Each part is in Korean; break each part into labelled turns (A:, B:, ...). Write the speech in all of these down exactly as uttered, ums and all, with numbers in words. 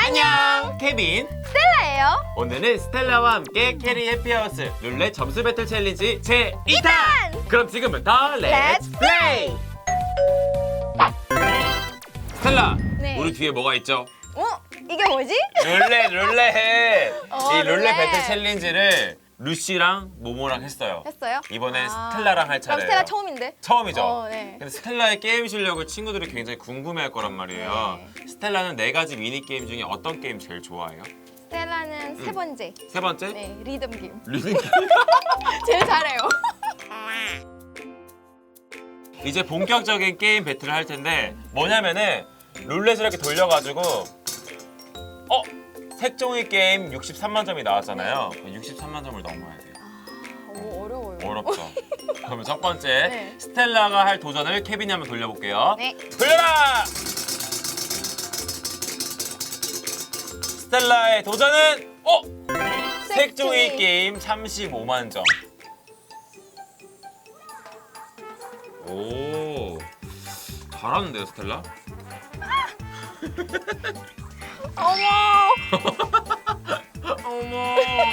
A: 안녕! 케빈!
B: 스텔라예요.
A: 오늘은 스텔라와 함께 캐리 해피하우스 룰렛 점수 배틀 챌린지 제이 탄! 그럼 지금부터 렛츠
B: Let's
A: 플레이! 스텔라,
B: 네.
A: 우리 뒤에 뭐가 있죠?
B: 어? 이게 뭐지?
A: 룰렛, 룰렛!
B: 어,
A: 이 룰렛
B: 룰렛.
A: 배틀 챌린지를 루시랑 모모랑 했어요.
B: 했어요?
A: 이번엔
B: 아.
A: 스텔라랑 할
B: 그럼
A: 차례예요.
B: 스텔라 처음인데?
A: 처음이죠?
B: 어, 네.
A: 근데 스텔라의 게임 실력을 친구들이 굉장히 궁금해할 거란 말이에요.
B: 네.
A: 스텔라는 네 가지 미니 게임 중에 어떤 게임 제일 좋아해요?
B: 스텔라는 세 번째.
A: 세 번째?
B: 네, 리듬 게임.
A: 리듬 게임.
B: 제일 잘해요.
A: 이제 본격적인 게임 배틀을 할 텐데 뭐냐면은 룰렛을 이렇게 돌려가지고 어? 색종이 게임 육십삼만 점이 나왔잖아요. 육십삼만 점을 넘어야 돼요.
B: 오, 어려워요.
A: 어렵죠. 그러면 첫 번째
B: 네.
A: 스텔라가 할 도전을 케빈이 한번 돌려볼게요.
B: 네.
A: 돌려라! 스텔라의 도전은 어? 색종이
B: 색종이.
A: 게임 삼십오만 점. 오, 잘하는데요, 스텔라?
B: 어머!
A: 어머.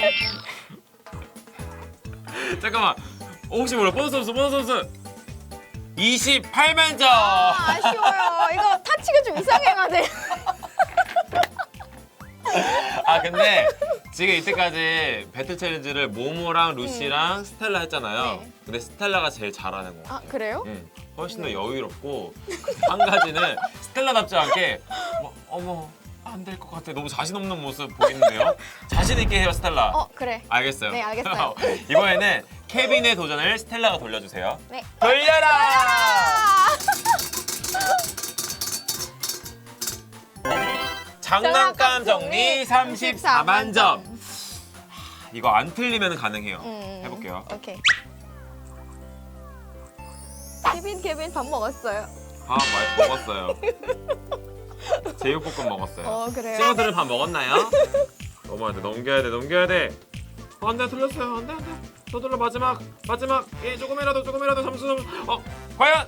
A: 잠깐만. 어, 혹시 몰라? 보너스 점수, 보너스 점수. 이십팔만 점.
B: 아, 아쉬워요. 이거 타치가 좀 이상해가네.
A: 아 근데 지금 이때까지 배틀 챌린지를 모모랑 루시랑 스텔라 했잖아요.
B: 네.
A: 근데 스텔라가 제일 잘하는 것
B: 아,
A: 같아요.
B: 그래요?
A: 응, 훨씬 더 여유롭고 한 가지는 스텔라답지 않게 뭐, 어머 안 될 것 같아. 너무 자신 없는 모습 보이는데요. 자신 있게 해요, 스텔라.
B: 어, 그래.
A: 알겠어요.
B: 네, 알겠어요.
A: 이번에는 케빈의 도전을 스텔라가 돌려주세요.
B: 네.
A: 돌려라!
B: 아!
A: 장난감 정리 삼십사만 점.
B: 점.
A: 이거 안 틀리면 가능해요.
B: 음,
A: 해볼게요.
B: 오케이. 케빈, 케빈 밥 먹었어요.
A: 밥 많이 먹었어요. 제육볶음 먹었어요.
B: 어, 그래요?
A: 친구들은 밥 먹었나요? 넘어야 돼, 넘겨야 돼, 넘겨야 돼. 어, 안 돼, 틀렸어요. 안 돼, 안 돼. 더 돌려, 마지막, 마지막. 예, 조금이라도, 조금이라도 점수, 점수. 어, 과연?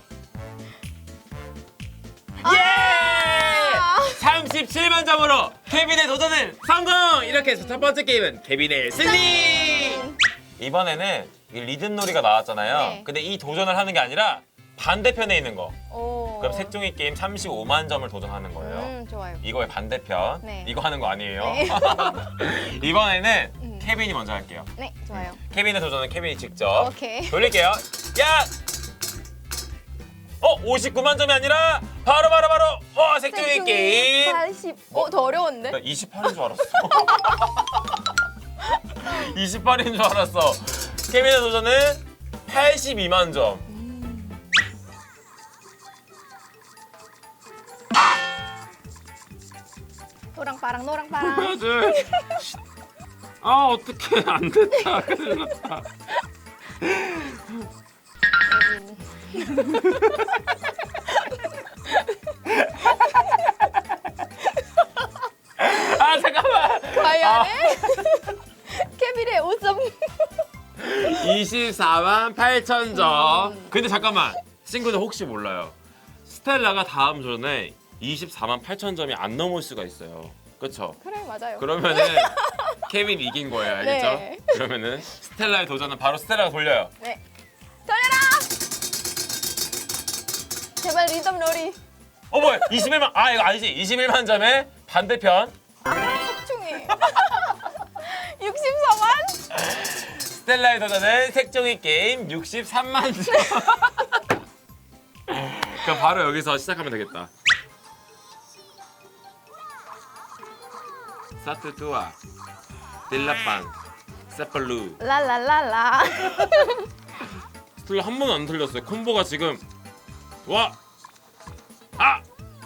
A: 예! 삼십칠만 점으로 케빈의 도전은 성공! 이렇게 해서 첫 번째 게임은 케빈의 승리! 이번에는 이 리듬놀이가 나왔잖아요.
B: 네.
A: 근데 이 도전을 하는 게 아니라 반대편에 있는 거.
B: 오.
A: 그럼 색종이 게임 삼십오만 점을 도전하는 거예요.
B: 음, 좋아요.
A: 이거의 반대편.
B: 네.
A: 이거 하는 거 아니에요.
B: 네.
A: 이번에는
B: 음.
A: 케빈이 먼저 할게요.
B: 네, 좋아요.
A: 케빈의 도전은 케빈이 직접.
B: 오케이.
A: 돌릴게요. 야! 어, 오십구만 점이 아니라 바로 바로 바로 어, 색종이 게임.
B: 팔십. 어, 더 어려운데?
A: 나 이십팔인 줄 알았어. 이십팔인 줄 알았어. 케빈의 도전은 팔십이만 점.
B: 노랑파랑 노랑파랑.
A: 맞아. 아 어떡해 안 됐다. 큰일 났다. 아 잠깐만.
B: 과연 케빈의 오 점.
A: 이십사만 팔천 점. 근데 잠깐만. 친구들 혹시 몰라요. 스텔라가 다음 전에 이십사만 팔천 점이 안 넘을 수가 있어요. 그렇죠?
B: 그래, 맞아요.
A: 그러면은 케빈 이긴 거예요. 알겠죠?
B: 네.
A: 그러면은 스텔라의 도전은 바로 스텔라가 돌려요.
B: 네. 돌려라! 제발 리듬 놀이.
A: 어 뭐야? 이십일만 아 이거 아니지. 이십일만 점의 반대편.
B: 색종이. 육십사만?
A: 스텔라의 도전은 색종이 게임 육십삼만 점. 그럼 바로 여기서 시작하면 되겠다. 사투투아 딜라빵 세팔루.
B: 랄랄랄라.
A: 스텔라 한 번도 안 틀렸어요. 콤보가 지금 와! 아!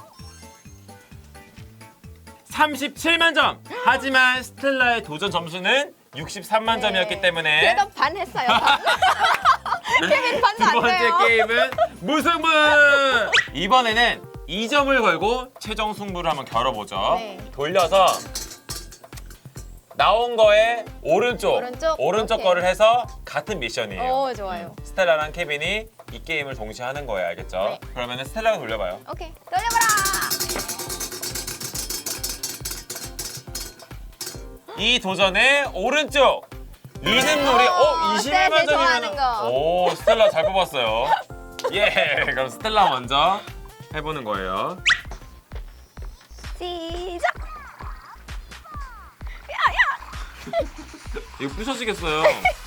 A: 삼십칠만 점! 하지만 스텔라의 도전 점수는 육십삼만 점이었기 때문에
B: 그래도 반 했어요. 반. 케빈 반도
A: 두
B: 안
A: 번째
B: 돼요.
A: 게임은 무승부! 이번에는 이 점을 걸고 최종 승부를 한번 겨뤄보죠.
B: 네.
A: 돌려서 나온 거에 오른쪽,
B: 오른쪽?
A: 오른쪽
B: 오케이.
A: 거를 해서 같은 미션이에요.
B: 오, 좋아요.
A: 스텔라랑 케빈이 이 게임을 동시에 하는 거예요. 알겠죠?
B: 네.
A: 그러면 스텔라가 돌려봐요.
B: 오케이. 돌려봐라.
A: 이 도전의 오른쪽 리듬놀이. 어, 이십일만
B: 네, 좋아하는
A: 점이면.
B: 거.
A: 오, 스텔라 잘 뽑았어요. 예, 그럼 스텔라 먼저 해보는 거예요.
B: 시작.
A: 이거 부셔지겠어요.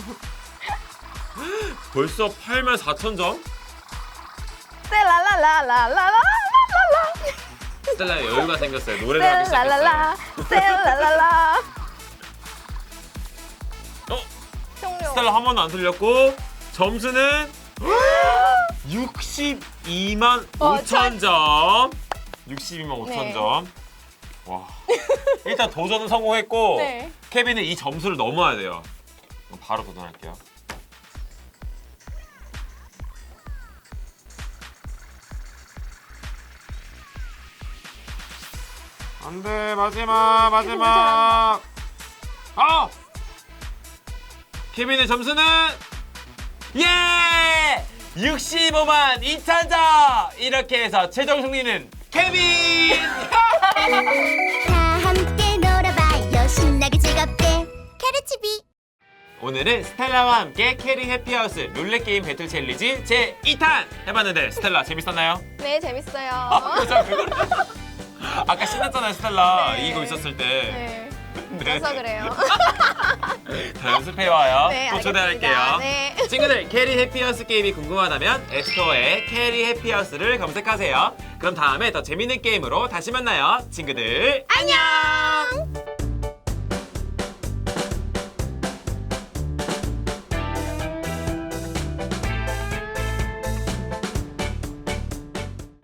A: 벌써 팔만 사천 점?
B: 셀라라라라라라라라.
A: 스텔라 여유가 생겼어요. 노래를 하기 시작했어요.
B: 셀라라라. 셀라라라.
A: 어?
B: 종료.
A: 스텔라 한 번도 안 틀렸고 점수는 육십이만
B: 어,
A: 오천 점. 육십이만 오천
B: 네.
A: 점. 와. 일단 도전은 성공했고
B: 네.
A: 케빈은 이 점수를 넘어야 돼요. 그럼 바로 도전할게요. 안돼, 마지막 마지막. 아! 케빈의 점수는 예! 육십오만 이천 점! 이렇게 해서 최종 승리는 케빈!
C: 다 함께 놀아봐요 신나게 즐겁게 캐르치비
A: 오늘은 스텔라와 함께 캐리 해피하우스 룰렛 게임 배틀 챌린지 제이 탄 해봤는데 스텔라 재밌었나요?
B: 네, 재밌어요.
A: 아, 그래서 그걸 아까 신났잖아요, 스텔라.
B: 네.
A: 이거 있었을 때.
B: 네.
A: 네.
B: 그래서 그래요.
A: 다 연습해와요.
B: 네,
A: 또
B: 알겠습니다.
A: 초대할게요.
B: 네.
A: 친구들, 캐리 해피하우스 게임이 궁금하다면 앱스토어에 캐리 해피하우스를 검색하세요. 그럼 다음에 더 재밌는 게임으로 다시 만나요. 친구들, 안녕!